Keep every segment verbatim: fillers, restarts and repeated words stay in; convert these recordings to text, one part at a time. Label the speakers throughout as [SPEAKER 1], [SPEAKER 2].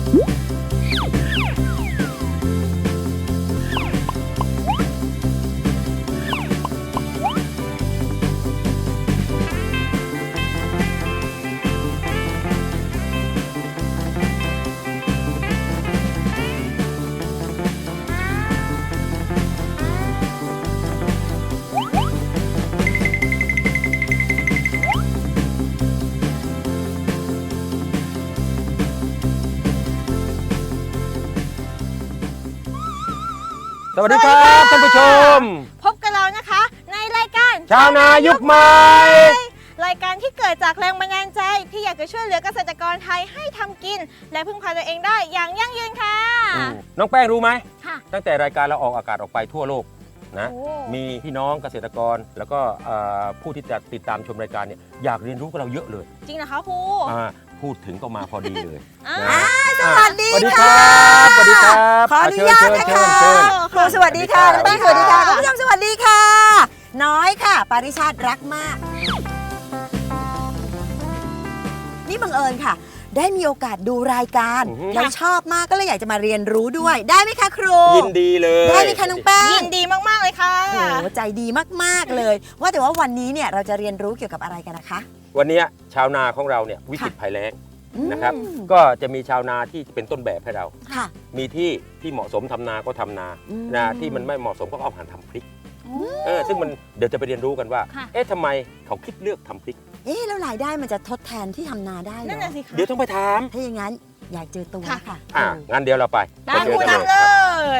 [SPEAKER 1] สวัสดีครับท่านผู้ชม
[SPEAKER 2] พบกับเรานะคะในรายการ
[SPEAKER 1] ชาวนายุคใหม่
[SPEAKER 2] รายการที่เกิดจากแรงบันดาลใจที่อยากจะช่วยเหลือเกษตรกรไทยให้ทำกินและพึ่งพาตัวเองได้อย่างยั่งยืนค่ะ
[SPEAKER 1] น้องแป้งรู้ไหม
[SPEAKER 2] ค่ะ
[SPEAKER 1] ตั้งแต่รายการเราออกอากาศออกไปทั่วโลกนะมีพี่น้องเกษตรกรแล้วก็ผู้ที่จะติดตามชมรายการเนี่ยอยากเรียนรู้กับเราเยอะเลย
[SPEAKER 2] จริงนะคะครู
[SPEAKER 1] พูดถึงก็มาพอดีเลย
[SPEAKER 3] สวัสดี
[SPEAKER 1] ค่ะสวัสดีครับ
[SPEAKER 3] ขออนุญาตนะคะครูสวัสดีค่ะน้องแป้งสวัสดีค่ะคุณผู้ชมสวัสดีค่ะน้อยค่ะปาริชาติรักมากนี่บังเอิญค่ะได้มีโอกาสดูรายการแล้วชอบมากก็เลยอยากจะมาเรียนรู้ด้วยได้ไหมคะครู
[SPEAKER 1] ยินดีเลย
[SPEAKER 3] ได้ไหมคะน้องแป้ง
[SPEAKER 2] ยินดีมากๆเลยค่ะ
[SPEAKER 3] โอ้ใจดีมากๆเลยว่าแต่ว่าวันนี้เนี่ยเราจะเรียนรู้เกี่ยวกับอะไรกันนะคะ
[SPEAKER 1] วันนี้ชาวนาของเราเนี่ยวิกฤตภัยแล้งนะครับก็จะมีชาวนาที่เป็นต้นแบบให้เรามีที่ที่เหมาะสมทำนาก็ทำนานาที่มันไม่เหมาะสมก็เอาหันทำพริกเออซึ่งมันเดี๋ยวจะไปเรียนรู้กันว่าเอ๊ะทำไมเขาคิดเลือกทำพริก
[SPEAKER 3] เอ๊ะแล้วรายได้มันจะทดแทนที่ทำนาได้เหรอ
[SPEAKER 2] นั่นน่ะสิคะ
[SPEAKER 1] เดี๋ยวต้องไปถาม
[SPEAKER 3] ถ้าอย่างนั้นอยากเจอตัวค่ะ
[SPEAKER 1] อ่างั้นเดี๋ยวเราไป
[SPEAKER 2] ตามคุณทำเลย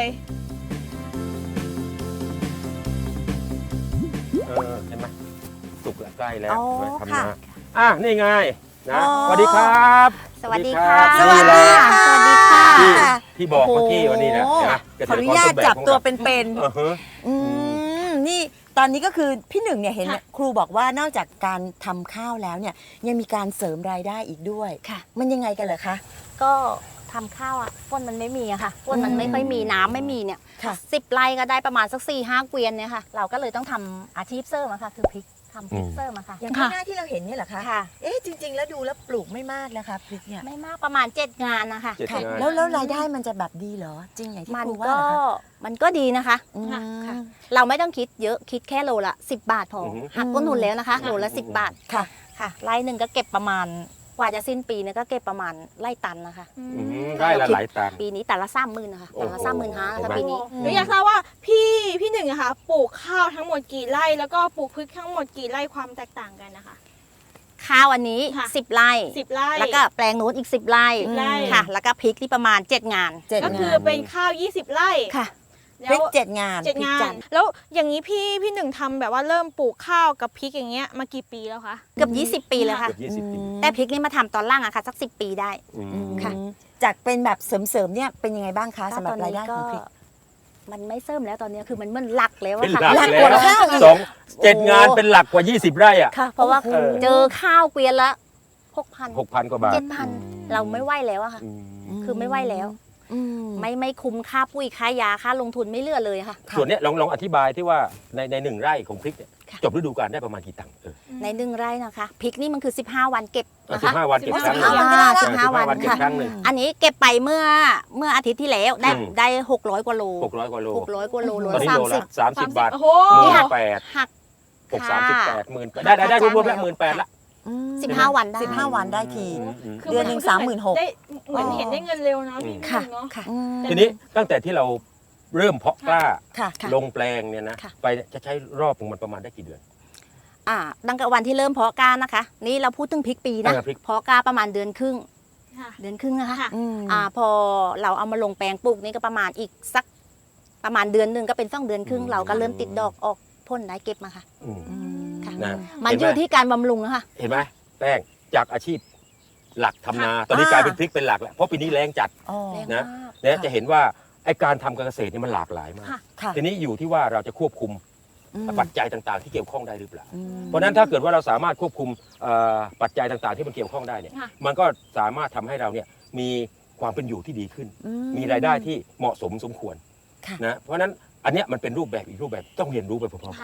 [SPEAKER 1] เออเห็นไหมสุกใกล้แล้วทำนาอ่ะนี่ไงนะสวัสดีครับ
[SPEAKER 3] สวัสดีค่ะสวัสดีค่ะสวัสดีค่ะ
[SPEAKER 1] ที่บอกเมื่อกี้วันนี้นะ
[SPEAKER 3] ขออนุญาตจับตัวเป็นๆอืมนี่ตอนนี้ก็คือพี่หนึ่งเนี่ยเห็นครูบอกว่านอกจากการทำข้าวแล้วเนี่ยยังมีการเสริมรายได้อีกด้วยค่ะมันยังไงกันเหรอคะ
[SPEAKER 4] ก็ทำข้าวอ่ะฝนมันไม่มีอะค่ะฝนมันไม่ค่อยมีน้ำไม่มีเนี่ยสิบไร่ก็ได้ประมาณสักสี่ห้าเกวียนเนี่ยค่ะเราก็เลยต้องทำอาชีพเสริมอะค่ะคือพริกทำพริกเสริมอะค่ะ
[SPEAKER 3] อย่างข้างหน้าที่เราเห็นเนี่ยเหรอคะ
[SPEAKER 4] ค่ะ
[SPEAKER 3] เอ๊ะจริงๆแล้วดูแล้วปลูกไม่มากนะคะพริกเนี่ย
[SPEAKER 4] ไม่มากประมาณเจ็ดงานนะคะ
[SPEAKER 3] แล้วแล้วรายได้มันจะแบบดีเหรอจริงอย่างที่ครูว่า
[SPEAKER 4] มันก็มันก็ดีนะคะเราไม่ต้องคิดเยอะคิดแค่โลละสิบบาทพอหักต้นทุนแล้วนะคะโลละสิบบาท
[SPEAKER 3] ค่ะ
[SPEAKER 4] ค่ะไร่หนึ่งก็เก็บประมาณกว่าจะสิ้นปีเนี่ยก็เก็บประมาณไร่ตันนะคะ
[SPEAKER 1] ไร่ละหลายตัน
[SPEAKER 4] ปีนี้แต่ละสามหมื่นนะคะแต่ละสามหมื่นห้านะคะปีนี้
[SPEAKER 2] หนูอยากทราบว่าพี่พี่หนึ่งอะคะปลูกข้าวทั้งหมดกี่ไร่แล้วก็ปลูกพริกทั้งหมดกี่ไร่ความแตกต่างกันนะคะ
[SPEAKER 4] ข้าวอันนี้สิบไร่
[SPEAKER 2] สิบไร่
[SPEAKER 4] แล้วก็แปลงโน้นอีกสิบไร่ค่ะแล้วก็พริกที่ประมาณเจ็ดงาน
[SPEAKER 2] ก็คือเป็นข้าวยี่สิบไร่
[SPEAKER 4] ค่ะ
[SPEAKER 3] พริกเจ็ดงาน
[SPEAKER 2] เจ็ดงานแล้วอย่างนี้พี่พี่หนึ่งทำแบบว่าเริ่มปลูกข้าวกับพริกอย่างเงี้ยมากี่ปีแล้วคะ
[SPEAKER 4] เกือบยี่สิบปีแล้วค่ะแต่พริกนี่มาทำตอนล่างอะค่ะสักสิบปีได้ค่ะ
[SPEAKER 3] จากเป็นแบบเสริมๆเนี่ยเป็นยังไงบ้างคะสำหรับรายได้ของพริก
[SPEAKER 4] มันไม่เสริมแล้วตอนนี้คือมันมันหลักแล้ว
[SPEAKER 1] ค่ะหลักกว่าข้าวสองเจ็ดงานเป็นหลักกว่ายี่สิบไร่อะ
[SPEAKER 4] ค่ะเพราะว่าเจอข้าวเกวียนละหกพัน
[SPEAKER 1] หกพันกว่าบาท
[SPEAKER 4] เจ็ดพันเราไม่ไหวแล้วอะค่ะคือไม่ไหวแล้วไม่ไม่คุ้มค่าปุ๋ยค่ายาค่าลงทุนไม่เหลือเลยค่ะ
[SPEAKER 1] ส่วนนี้ลองลองอธิบายที่ว่าในในหนึ่งไร่ของพริกเนี่ยจบฤดูกาลได้ประมาณกี่ตังค์
[SPEAKER 4] ในหนึ่งไร่นะคะพริกนี่มันคือสิบห้าวันเก็บนะคะ
[SPEAKER 1] สิบห้าวันเก็บครั้งหนึ่ง
[SPEAKER 4] สิบห้าวันเก็บครั้งหนึ่งอันนี้เก็บไปเมื่อเมื่ออาทิตย์ที่แล้วได้ได้หกร้อยกว่าโล
[SPEAKER 1] หกร้อยกว่าโล
[SPEAKER 4] หกร้อยกว่าโลโล
[SPEAKER 1] ละสามสิบสามสิบบาทหมื่นแปด
[SPEAKER 4] หัก
[SPEAKER 1] หกสามสิบแปดหมื่นได้ได้ได้รวมๆแล้วหมื่นแปดละ
[SPEAKER 4] สิบห้าวันได้
[SPEAKER 3] สิบห้าวันได้ทีเดือนหนึ่งสามหมื่นหก
[SPEAKER 2] เหมือนเห็นได้เงินเร็วนะพี่
[SPEAKER 4] ค่ะ
[SPEAKER 2] ค่ะ
[SPEAKER 1] ทีนี้ตั้งแต่ที่เราเริ่มเพาะกล้าลงแปลงเนี่ยนะไปจะใช้รอบของมันประมาณได้กี่เดือน
[SPEAKER 4] อ่าตั้งแต่วันที่เริ่มเพาะกล้านะคะนี่เราพูดถึงพริกปีนะเพาะกล้าประมาณเดือนครึ่งเดือนครึ่งนะคะอ่าพอเราเอามาลงแปลงปลูกนี่ก็ประมาณอีกสักประมาณเดือนหนึ่งก็เป็นสองเดือนครึ่งเราก็เริ่มติดดอกออกพ่นได้เก็บมาค่ะมันอยู่ที่การบำรุงนะคะ
[SPEAKER 1] เห็นไหมแป้งจากอาชีพหลักทำนาตอนนี้กลายเป็นพริกเป็นหลักแล้วเพราะปีนี้แรงจัดนะเนี่ยจะเห็นว่าไอการทำการเกษตรนี่มันหลากหลายมากทีนี้อยู่ที่ว่าเราจะควบคุมปัจจัยต่างๆที่เกี่ยวข้องได้หรือเปล่าเพราะฉะนั้นถ้าเกิดว่าเราสามารถควบคุมปัจจัยต่างๆที่มันเกี่ยวข้องได้เนี่ยมันก็สามารถทำให้เราเนี่ยมีความเป็นอยู่ที่ดีขึ้นมีรายได้ที่เหมาะสมสมควรนะเพราะฉะนั้นอันนี้มันเป็นรูปแบบอีกรูปแบบต้องเรียนรู้ไปพร้อมๆกัน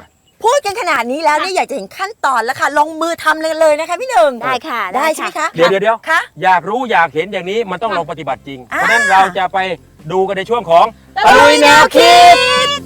[SPEAKER 3] พูดกันขนาดนี้แล้วเนี่ยอยากจะเห็นขั้นตอนแล้วค่ะ ลงมือทำเลยเลยนะคะพี่หนึ่ง
[SPEAKER 4] ได้ค่ะ
[SPEAKER 3] ได้ใช่ไหมคะ
[SPEAKER 1] เดี๋ยวเดี๋ยวเดี๋ยว
[SPEAKER 3] คะ
[SPEAKER 1] อยากรู้อยากเห็นอย่างนี้มันต้องลองปฏิบัติจริง
[SPEAKER 3] อ่า
[SPEAKER 1] เพราะฉะนั้นเราจะไปดูกันในช่วงของ
[SPEAKER 2] ตะลุยแนวคิด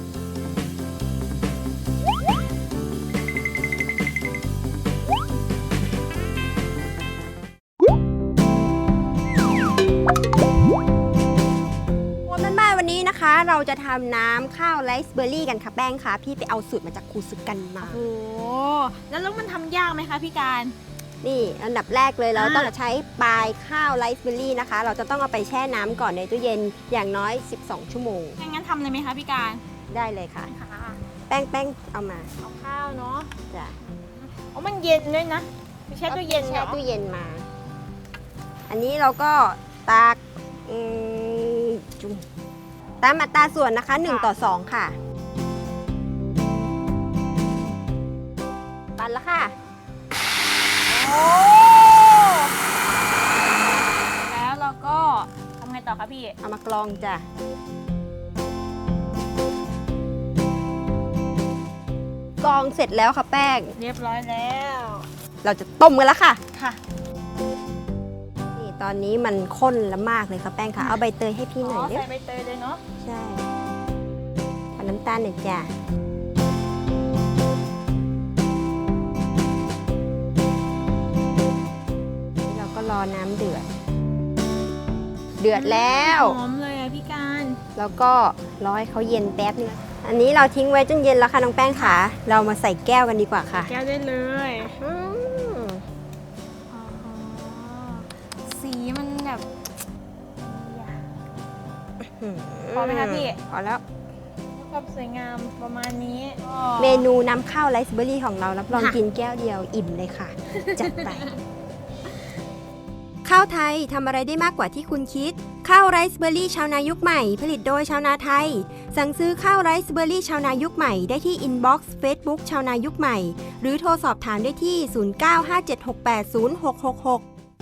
[SPEAKER 5] วันบ้านๆวันนี้นะคะ เราจะทำน้ำข้าวไรซ์เบอร์รี่กันค่ะแป้งค่ะพี่ไปเอาสูตรมาจากครูซึกกันมา
[SPEAKER 2] โอ้แล้วแล้วมันทำยากไหมคะพี่การ
[SPEAKER 5] นี่อันดับแรกเลยเรา
[SPEAKER 2] อ่า
[SPEAKER 5] ต้องใช้ปลายข้าวไรซ์เบอร์รี่นะคะ เราจะต้องเอาไปแช่น้ำก่อนในตู้เย็นอย่างน้อย สิบสอง ชั่วโมง
[SPEAKER 2] งั้นทำเลยไหมคะพี่การ
[SPEAKER 5] ได้เลยค่ะ
[SPEAKER 2] ค่ะ
[SPEAKER 5] แป้งแป้งเอามา
[SPEAKER 2] เอาข้าวเนาะ
[SPEAKER 5] จ้ะ
[SPEAKER 2] อ๋อมันเย็นด้วยนะไม่ใช่ตู้เย็นเหร
[SPEAKER 5] แช่
[SPEAKER 2] อ
[SPEAKER 5] ตู้เย็นมา อันนี้เราก็ตากอืมจุ่มตามอัตราส่วนนะคะหนึ่งต่อสองค่ะปั่นแล้วค่ะ
[SPEAKER 2] โอ้แล้วเราก็ทำไงต่อคะพี่
[SPEAKER 5] เอามากรองจ้ะกรองเสร็จแล้วค่ะแป้ง
[SPEAKER 2] เรียบร้อยแล้ว
[SPEAKER 5] เราจะต้มกันแล้วค่ะ
[SPEAKER 2] ค่ะ
[SPEAKER 5] นี่ตอนนี้มันข้นแล้วมากเลยค่ะแป้งค่ะ เอาใบเตยให้พี่หน่อยเด้
[SPEAKER 2] ใส่ใบเตยเลยเนาะ
[SPEAKER 5] ใช่เอาน้ำตาลหน่อยจ้ะนี่เราก็รอน้ำเดือด เดือดแล้ว
[SPEAKER 2] หอมเลยอะพี่การ
[SPEAKER 5] แล้วก็รอให้เขาเย็นแป๊บนึงอันนี้เราทิ้งไว้จนเย็นแล้วค่ะน้องแป้งค่ะ เรามาใส่แก้วกันดีกว่าค่ะ
[SPEAKER 2] แก้วได้เลย
[SPEAKER 5] อืม
[SPEAKER 2] อ๋อสีมันแบบ พอไหมคะพี่
[SPEAKER 5] พอแล้ว
[SPEAKER 2] ความสวยงามประมาณนี้
[SPEAKER 5] เมนูน้ำข้าวไรซ์เบอร์รี่ของเรารับรอง
[SPEAKER 2] ค่ะ
[SPEAKER 5] กินแก้วเดียวอิ่มเลยค่ะ จัดไป ข้าวไทยทำอะไรได้มากกว่าที่คุณคิด ข้าวไรซ์เบอร์รี่ชาวนายุคใหม่ ผลิตโดยชาวนาไทย สั่งซื้อข้าวไรซ์เบอร์รี่ชาวนายุคใหม่ได้ที่อินบ็อกซ์เฟซบุ๊กชาวนายุคใหม่ หรือโทรสอบถามได้ที่ ศูนย์ เก้า ห้า เจ็ด หก แปด ศูนย์ หก หก หก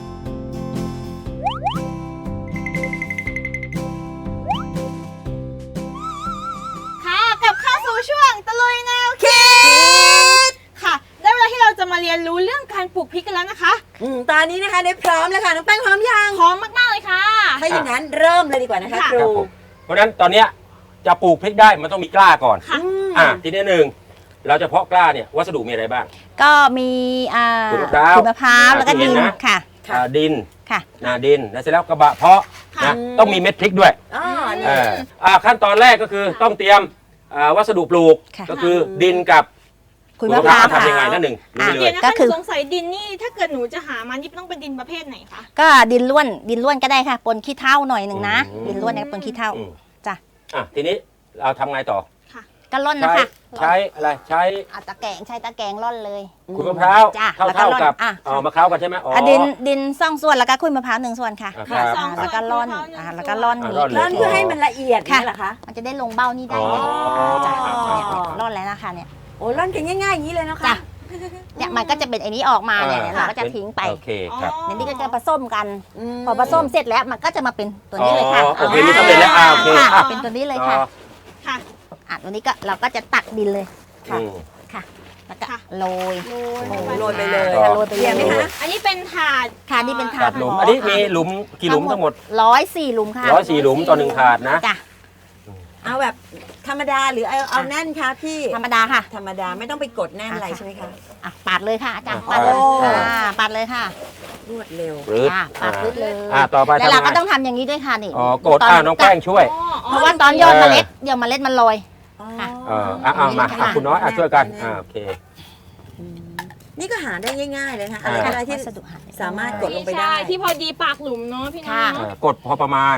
[SPEAKER 2] ค่ะกลับเข้าสู่ช่วงตะลุยแนวคิดค่ะ ได้เวลาที่เราจะมาเรียนรู้เรื่องการปลูกพริกกันแล้วนะคะ
[SPEAKER 3] อืมตอนนี้นะคะได้พร้อมแล้วค่ะน้องแป้งพร้อมยัง
[SPEAKER 2] พร้อมมากๆเลยค่ะ
[SPEAKER 3] ถ้าอย่างนั้นเริ่มเลยดีกว่านะคะ
[SPEAKER 2] ค่ะ
[SPEAKER 3] ครู
[SPEAKER 1] ครับผมเพราะฉะนั้นตอนเนี้ยจะปลูกพริกได้มันต้องมีกล้าก่อน
[SPEAKER 2] ค่ะ
[SPEAKER 3] อืม
[SPEAKER 1] อ่ะทีนี้หนึ่งเราจะเพาะกล้าเนี่ยวัสดุมีอะไรบ้าง
[SPEAKER 4] ก็มีอ่า
[SPEAKER 1] ขุยมะพร้าว
[SPEAKER 4] ขุยมะพร้าวแล้วก็
[SPEAKER 1] อ่า
[SPEAKER 4] ดิน
[SPEAKER 1] เห็นนะ
[SPEAKER 4] ค่ะ
[SPEAKER 3] ค่ะ
[SPEAKER 1] อ่าดิน
[SPEAKER 4] ค่ะ
[SPEAKER 1] นาดินแล้วเสร็จแล้วกระบะเพาะ
[SPEAKER 2] ค่ะ
[SPEAKER 1] นะต้องมีเม็ดพริกด้วย
[SPEAKER 3] อ๋อนี่
[SPEAKER 1] เอออ่าขั้นตอนแรกก็คือต้องเตรียมอ่าวัสดุปลูก
[SPEAKER 4] ค่ะ
[SPEAKER 1] ก็คือดินกับ
[SPEAKER 4] ขุยมะพร้าว
[SPEAKER 1] ทำยังไงนั่นหนึ่ง
[SPEAKER 4] อ่ะ
[SPEAKER 1] รู้เล
[SPEAKER 2] เดี๋ย
[SPEAKER 1] ยว
[SPEAKER 2] นะ
[SPEAKER 4] ก็
[SPEAKER 2] คะห
[SPEAKER 4] คื
[SPEAKER 2] นู
[SPEAKER 4] อ
[SPEAKER 2] สงสัยดินนี่ถ้าเกิดหนูจะหามันนี่ต้องเป็นดินประเภทไหนคะ
[SPEAKER 4] ก็ดินล้วนดินล้วนก็ได้ค่ะปนขี้เถ้าหน่อยหนึ่งนะ
[SPEAKER 1] อืม
[SPEAKER 4] ดินล้วนเนี่ยปนขี้เถ้า
[SPEAKER 1] อืม
[SPEAKER 4] จ้ะ
[SPEAKER 1] อ่ะทีนี้เราทำไงต่อ
[SPEAKER 4] ก็ร่อนนะ
[SPEAKER 1] ใช้
[SPEAKER 4] คะ
[SPEAKER 1] ใช้อะไรใช้
[SPEAKER 4] เอาตะแกรงใช้ตะแกรงร่อนเลย
[SPEAKER 1] ขุยมะพร้าว
[SPEAKER 4] จ้ะ
[SPEAKER 1] เท่า
[SPEAKER 4] แล้วก็
[SPEAKER 1] เท่า
[SPEAKER 4] ร่อน
[SPEAKER 1] กับ
[SPEAKER 4] อ่ะ
[SPEAKER 1] อ๋อมะพร้าวกันใช่ไหมอ๋อ
[SPEAKER 4] อ่ะดินดินสองส่วนแล้วก็ขุยมะพร้าวหนึ่งส่วนค่ะ
[SPEAKER 1] อ่ะ
[SPEAKER 2] ค่ะ
[SPEAKER 1] ครับ
[SPEAKER 2] สองส่วน
[SPEAKER 4] แล้วก็ร่อน
[SPEAKER 2] มะพร้าวหนึ่ง
[SPEAKER 4] อ่ะ
[SPEAKER 2] ส่วน
[SPEAKER 4] แล้วก็ร่อน
[SPEAKER 1] อ่ะ
[SPEAKER 4] นี้
[SPEAKER 1] ร่อนเลย
[SPEAKER 3] ร่อนเพื่อให้มันละเอียด
[SPEAKER 4] ค่ะ
[SPEAKER 3] นี่เหรอคะ
[SPEAKER 4] มันจะได้ลงเบ้านี่ได้
[SPEAKER 1] อ๋อ
[SPEAKER 4] จ้ะ
[SPEAKER 1] อ๋อ
[SPEAKER 4] เนี่ยร่อนแล้วนะคะเนี่ย
[SPEAKER 3] โอ้ร่อนกันง่ายๆอย่างนี้เลยนะคะ
[SPEAKER 4] จ้ะ เนี่ยมันก็จะเป็นไอ้นี้ออกมาเนี่ย
[SPEAKER 1] อ่า
[SPEAKER 4] เราก็จะทิ้งไป
[SPEAKER 1] โอเคครับ
[SPEAKER 4] ในนี้ก็จะผสมกัน
[SPEAKER 3] ม
[SPEAKER 4] พอผสมเสร็จแล้วมันก็จะมาเป็นตัวนี้เลยค่ะ
[SPEAKER 1] อ๋อโอเคนี่สำเร็จแล้วอ่าโอเค
[SPEAKER 4] ค่ะ
[SPEAKER 1] อ่ะ
[SPEAKER 4] เป็นตัวนี้เลยค่ะ
[SPEAKER 1] อ๋อ
[SPEAKER 2] ค่ะ
[SPEAKER 4] อ่ะตัวนี้ก็เราก็จะตักดินเลย
[SPEAKER 3] ค่ะ
[SPEAKER 1] อืม
[SPEAKER 4] ค่ะ แล้วก็
[SPEAKER 2] ค่ะ
[SPEAKER 4] โรย
[SPEAKER 2] โรย
[SPEAKER 3] โอ้
[SPEAKER 2] ลงไป
[SPEAKER 3] โรยไปเลย
[SPEAKER 4] ค่ะโรยไป
[SPEAKER 3] เยี่ยมไหม
[SPEAKER 4] เลย
[SPEAKER 3] คะ
[SPEAKER 2] อันนี้เป็นถาด
[SPEAKER 4] ค่ะนี่เป็นถา
[SPEAKER 1] ตั
[SPEAKER 4] ด
[SPEAKER 1] ดหลุม อันนี้มีหลุมกี่หลุมทั้งหมด
[SPEAKER 4] ร้อยสี่หลุมค่ะ
[SPEAKER 1] ร้อยสี่หลุมต่อหนึ่งถาดนะ
[SPEAKER 4] จ้ะ
[SPEAKER 3] เอาแบบธรรมดาหรือเอาเอาแน่นคะพี่
[SPEAKER 4] ธรรมดาค่ะ
[SPEAKER 3] ธรรมดาไม่ต้องไปกดแน่นอะไรใช่ไหมคะ
[SPEAKER 4] อ่ะปาดเลยค่ะอาจารย์
[SPEAKER 1] อ่ะ
[SPEAKER 4] ปาดเลย
[SPEAKER 3] โอ้
[SPEAKER 4] อ่าปาดเลยค่ะ
[SPEAKER 3] รวดเร็ว
[SPEAKER 1] หรือ
[SPEAKER 4] อ่ะปาดลึกเลย
[SPEAKER 1] อ่าต่อไป
[SPEAKER 4] แล้วเรา
[SPEAKER 1] ทำไง
[SPEAKER 4] ก็ต้องทำอย่างนี้ด้วยค่ะนี่
[SPEAKER 1] อ๋อกดอ่าน้องแป้งช่วย
[SPEAKER 2] อ๋ออ๋อ
[SPEAKER 4] เพราะว่าตอนยอดเมล็ดเดี๋ยวเมล็ดมันลอย ค่ะ
[SPEAKER 1] เอออ่ะเอามาอ่ะคุณน้อยอ่ะช่วยกันอ่าโอเค
[SPEAKER 3] อืมนี่ก็หาได้ง่ายๆเลยนะคะ
[SPEAKER 1] อ่า
[SPEAKER 3] อะไรก็ได้ที่
[SPEAKER 4] วัสดุหา
[SPEAKER 3] สามารถกดลงไปได้
[SPEAKER 2] ใช่ที่พอดีปากหลุมเนาะพี่น้อ
[SPEAKER 4] ค่ะ
[SPEAKER 2] ง
[SPEAKER 1] อ่ากดพอประมาณ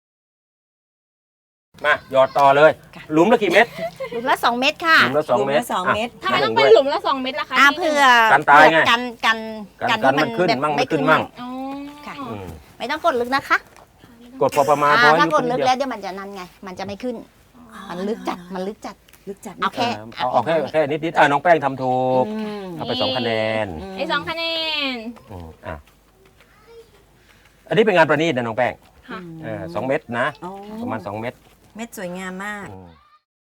[SPEAKER 1] มาหยอดต่อเลย หลุมละกี่เม็ด
[SPEAKER 4] หลุมละสองเม็ดค่ะ
[SPEAKER 1] หลุมละสองเม็ด
[SPEAKER 3] หลุมละสองเม็ด
[SPEAKER 2] ทำไมต้องเป็นหลุมละสองเม็ดล่ะคะ
[SPEAKER 4] อ่า
[SPEAKER 2] พี่
[SPEAKER 4] เพื่อ
[SPEAKER 1] กันตายไง
[SPEAKER 4] กันกัน
[SPEAKER 1] กันกันมันขึ้น
[SPEAKER 4] แบบ
[SPEAKER 1] มั่งไม่ขึ้นมั่ง
[SPEAKER 2] อ๋อ
[SPEAKER 4] ค่ะ
[SPEAKER 1] อืม
[SPEAKER 4] ไม่ต้องกดลึกนะคะ
[SPEAKER 1] กดพอประมาณ
[SPEAKER 4] อ่า
[SPEAKER 1] พอให้
[SPEAKER 4] ถ้ากด
[SPEAKER 1] นิ
[SPEAKER 4] ลึก
[SPEAKER 1] เดียว
[SPEAKER 4] แล้วเดี๋ยวมันจะนั่นไง มันจะไม่ขึ้น มันลึกจัดมันลึกจัด
[SPEAKER 3] ลึกจัด
[SPEAKER 4] เอาแค่
[SPEAKER 1] เออเอาเอาแค่แค่นิดนิดๆอ่ะน้องแป้งทำถูก
[SPEAKER 3] อืม
[SPEAKER 1] เอาไปสองคะแนน
[SPEAKER 2] ไอ้สองคะแนน
[SPEAKER 1] อืมอ่ะอันนี้เป็นงานประณีตนะน้องแป้ง
[SPEAKER 2] ค่ะ
[SPEAKER 1] เออสองเม็ดนะ
[SPEAKER 3] อ๋อ
[SPEAKER 1] ประมาณสองเม็ด
[SPEAKER 3] เม็ดสวยงามมาก
[SPEAKER 1] อืม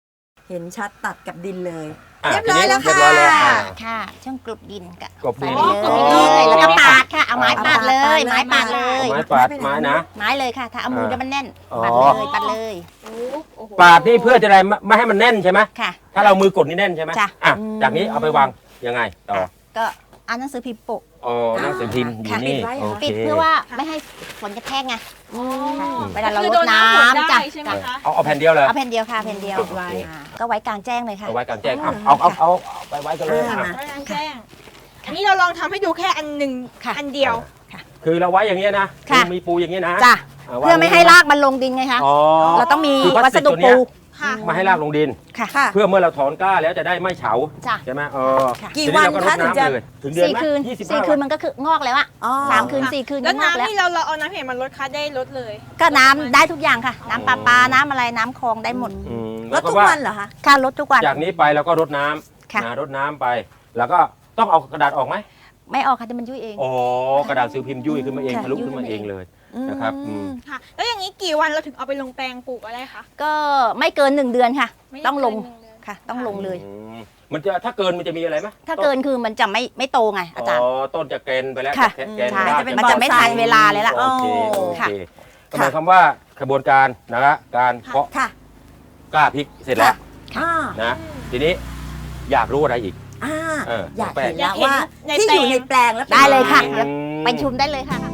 [SPEAKER 3] เห็นชัดตัดกับดินเลย
[SPEAKER 1] อ่ะ
[SPEAKER 3] เรียบร้อยแล้ว
[SPEAKER 1] ทีนี้
[SPEAKER 3] ค่ะ
[SPEAKER 1] เรียบร้อยแล้วอ่ะ
[SPEAKER 4] ค่ะช่างกลบดินกะ
[SPEAKER 1] กลบดิน
[SPEAKER 4] ใส่ไปเลยแล้วก็ปาดค่ะเอาไม้ปาดเลย ไม้ปาดเลย
[SPEAKER 1] ไม้ปาดไม้นะ
[SPEAKER 4] ไม้เลยค่ะ ถ้าเอามือจะมันแน่น
[SPEAKER 1] อ๋อ
[SPEAKER 4] ปาดเลยปาดเลย
[SPEAKER 2] โอ้โห
[SPEAKER 1] ปาดนี่เพื่อจะอะไรไม่ไม่ให้มันแน่นใช่ไหม
[SPEAKER 4] ค่ะ
[SPEAKER 1] ถ้าเรามือกดนี่แน่นใช่ไหม
[SPEAKER 4] จ้ะ
[SPEAKER 1] อ่ะจากนี้เอาไปวางยังไงต่อ
[SPEAKER 4] ก็เอาหนังสือพิมพ์ปก
[SPEAKER 1] อ๋อหนังสือพิมพ์อยู่
[SPEAKER 4] ค่ะ
[SPEAKER 1] นี่
[SPEAKER 3] ปิดไว้เหรอ
[SPEAKER 1] โอเค
[SPEAKER 4] ปิดเพื่อว่าไม่ให้ฝนกระแทกไง
[SPEAKER 3] อ๋อ
[SPEAKER 4] ค่ะเวลาเรา
[SPEAKER 2] คือ
[SPEAKER 4] ร
[SPEAKER 2] โด
[SPEAKER 4] ด
[SPEAKER 2] นน้ำฝน
[SPEAKER 4] น้ำ
[SPEAKER 2] ได้
[SPEAKER 4] จ้ะ
[SPEAKER 2] ใช่ไหมคะ
[SPEAKER 1] เอาเอาแผ่นเดียวเลย
[SPEAKER 4] เอาแผ่นเดียวค่ะแผ่นเดียว
[SPEAKER 1] ปิดไว้
[SPEAKER 4] อ่าก็ไว้กลางแจ้งเลยค่ะ
[SPEAKER 1] เอาไว้กลางแจ้งอ่ะเอาเอาเอาเอาไปไว้กันเลย
[SPEAKER 3] อ่า
[SPEAKER 1] อ่ะ
[SPEAKER 3] มา
[SPEAKER 2] ไว้กลางแจ้งอันนี้เราลองทำให้ดูแค่อันหนึ่ง
[SPEAKER 4] ค่ะ
[SPEAKER 2] อันเดียว
[SPEAKER 1] คือเราไว้อย่างเงี้ยนะ
[SPEAKER 4] ค่ะ
[SPEAKER 1] มีปูอย่างเงี้ยนะ
[SPEAKER 4] จ้ะ
[SPEAKER 1] า
[SPEAKER 4] เพื่อไม่ให้รากมันลงดินไงคะ
[SPEAKER 1] อ๋อ
[SPEAKER 4] เราต้องมี
[SPEAKER 1] คือพลา
[SPEAKER 4] วั
[SPEAKER 1] ส
[SPEAKER 4] ส
[SPEAKER 1] ติก
[SPEAKER 4] ดุ
[SPEAKER 1] ตัวเนี้
[SPEAKER 4] ปู
[SPEAKER 1] ย
[SPEAKER 2] ค่ะ
[SPEAKER 1] ไมาให้รากลงดิน
[SPEAKER 4] ค่ะ
[SPEAKER 3] ค่ะ
[SPEAKER 1] เพื่อเมื่อเราถอนกล้าแล้วจะได้ไม่เฉา
[SPEAKER 4] จ้ะ
[SPEAKER 1] ใช่ไหมเออ
[SPEAKER 4] ค่ะ
[SPEAKER 3] กี่
[SPEAKER 1] ที
[SPEAKER 3] วัน
[SPEAKER 1] เราก็ร
[SPEAKER 3] คะ
[SPEAKER 1] ด
[SPEAKER 3] ถึง
[SPEAKER 1] น้ำ
[SPEAKER 3] จะ
[SPEAKER 1] เลยถึงเดือน
[SPEAKER 4] สี่
[SPEAKER 1] ไหม
[SPEAKER 4] คืน
[SPEAKER 1] ยี่สิบ
[SPEAKER 4] สี่
[SPEAKER 1] ห้า
[SPEAKER 4] คืนมันก็คืองอกแล้วอะ
[SPEAKER 3] อ๋อ
[SPEAKER 4] สามคืนสี่คืน
[SPEAKER 2] แล้ว
[SPEAKER 4] ก็งอกแล้ว
[SPEAKER 2] น้ำนี่เราเราเอาน้ำเห็นมันลดคัดได้ลดเลย
[SPEAKER 4] ก็น้ำได้ทุกอย่างค่ะ น้ำปลาปลาน้ำอะไรน้ำคลองได้หมด
[SPEAKER 1] อืม
[SPEAKER 3] แล้
[SPEAKER 1] แล้ว ว
[SPEAKER 3] ทุ
[SPEAKER 1] ก็
[SPEAKER 3] ก
[SPEAKER 1] ว่า
[SPEAKER 3] วันเหรอคะ
[SPEAKER 4] ค่ะลดทุกวัน
[SPEAKER 1] จากนี้ไปเราก็รดน้ำ
[SPEAKER 4] ค่ะ
[SPEAKER 1] นะรดน้ำไป แล้วก็ต้องเอากระดาษออกไหม
[SPEAKER 4] ไม่ออกค่ะแต่มันยุ่ยเอง
[SPEAKER 1] อ๋อกระดาษซิลพิมพ์ยุ่ยขึ้นมาเอง
[SPEAKER 4] ค่ะ
[SPEAKER 1] ทะลุ
[SPEAKER 4] ยุ่ย
[SPEAKER 1] ขึ้นมา
[SPEAKER 4] ขึ้นมา
[SPEAKER 1] เอ
[SPEAKER 4] เอง ง
[SPEAKER 1] เลยนะครับอืม
[SPEAKER 2] ค่ะ แล้วอย่างนี้กี่วันเราถึงเอาไปลงแปลงปลูกอะไรคะ
[SPEAKER 4] ก็ไม่เกินหนึ่งเดือนค่ะ
[SPEAKER 2] ไม่ได้
[SPEAKER 4] ต้องลง
[SPEAKER 2] เกินหนึ่เดือน
[SPEAKER 4] ค่ะ ต้องลงเลย
[SPEAKER 1] อืมมันจะถ้าเกินมันจะมีอะไรไหม
[SPEAKER 4] ถ้าเกินคือมันจะไม่ไม่โตไงอาจารย์
[SPEAKER 1] อ๋อต้นจะเกรนไปแล้ว
[SPEAKER 4] ค่ะ
[SPEAKER 1] จแกรน
[SPEAKER 4] ใช่
[SPEAKER 1] ราก
[SPEAKER 3] จะเป็น
[SPEAKER 4] มันจะไม่ทันเวลาเลยล่ะ
[SPEAKER 1] โอเคโอ
[SPEAKER 4] ค่ะ
[SPEAKER 1] เคก็หมายความว่ากระบวนการนะการเพาะ
[SPEAKER 3] ค่ะ
[SPEAKER 1] กล้าพริกเสร็จแล้ว
[SPEAKER 3] อ่า
[SPEAKER 1] นะทีนี้อยากรู้อะไรอีก
[SPEAKER 3] อ่า
[SPEAKER 1] เออ
[SPEAKER 3] อยาก
[SPEAKER 1] แปลง
[SPEAKER 3] เห็นแล้วว่าที่อยู่ในแปลงแล้วป็น
[SPEAKER 4] ได้เลยค่ะ
[SPEAKER 3] งไง
[SPEAKER 4] เดี๋ยวไปชุมได้เลยค่ะ